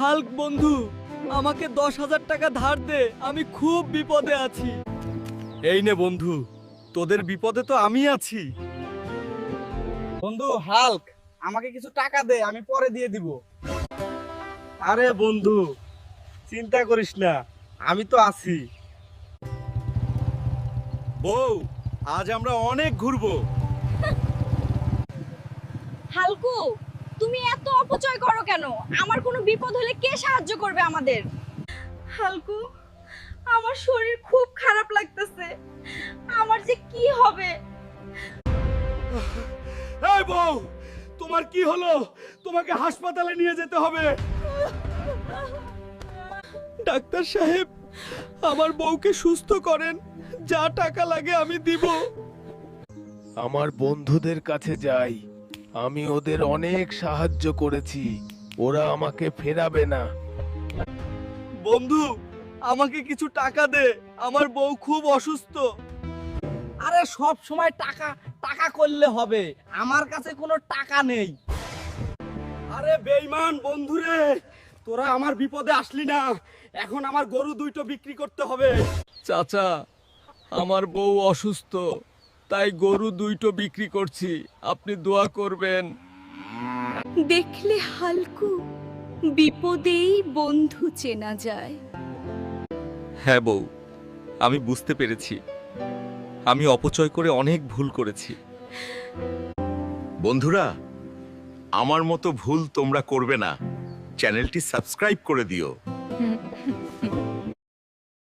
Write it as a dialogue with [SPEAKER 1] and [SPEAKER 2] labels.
[SPEAKER 1] Hulk বন্ধু, আমাকে 10,000 টাকা ধার দে, আমি খুব বিপদে আছি। এই নে বন্ধু, তোদের বিপদে তো আমি আছি।
[SPEAKER 2] বন্ধু হাল্ক, আমাকে কিছু টাকা দে, আমি পরে দিয়ে দিব।
[SPEAKER 1] আরে বন্ধু, চিন্তা করিস না, আমি তো আছি। বউ, আজ আমরা অনেক ঘুরবো।
[SPEAKER 3] হালকু, তুমি এত অপচয় করো কেন? আমার কোনো বিপদ হলে কে সাহায্য করবে আমাদের? হালকু, আমার শরীর খুব খারাপ লাগতেছে, আমার যে কি হবে?
[SPEAKER 1] এই বউ, তোমার কি হলো? তোমাকে হাসপাতালে নিয়ে যেতে হবে। ডাক্তার সাহেব, আমার বউকে সুস্থ করেন, যা টাকা লাগে আমি দিব।
[SPEAKER 4] আমার বন্ধুদের কাছে যাই, আমি ওদের অনেক সাহায্য করেছি, ওরা আমাকে ফেরাবে না।
[SPEAKER 1] বন্ধু, আমাকে কিছু টাকা দে, আমার বউ খুব অসুস্থ।
[SPEAKER 2] আরে সব সময় টাকা টাকা করলে হবে, আমার কাছে কোনো টাকা নেই।
[SPEAKER 1] আরে বেঈমান বন্ধুরে, তোরা আমার বিপদে আসলি না, এখন আমার গরু দুইটো বিক্রি করতে হবে। চাচা, আমার বউ অসুস্থ, তাই গরু দুইটো বিক্রি করছি, আপনি দোয়া করবেন।
[SPEAKER 5] দেখলে হালকু, বিপদেই বন্ধু চেনা যায়।
[SPEAKER 6] হ্যাঁ বউ, আমি বুঝতে পেরেছি, আমি অপচয় করে অনেক ভুল করেছি।
[SPEAKER 7] বন্ধুরা, আমার মতো ভুল তোমরা করবে না। চ্যানেলটি সাবস্ক্রাইব করে দিও।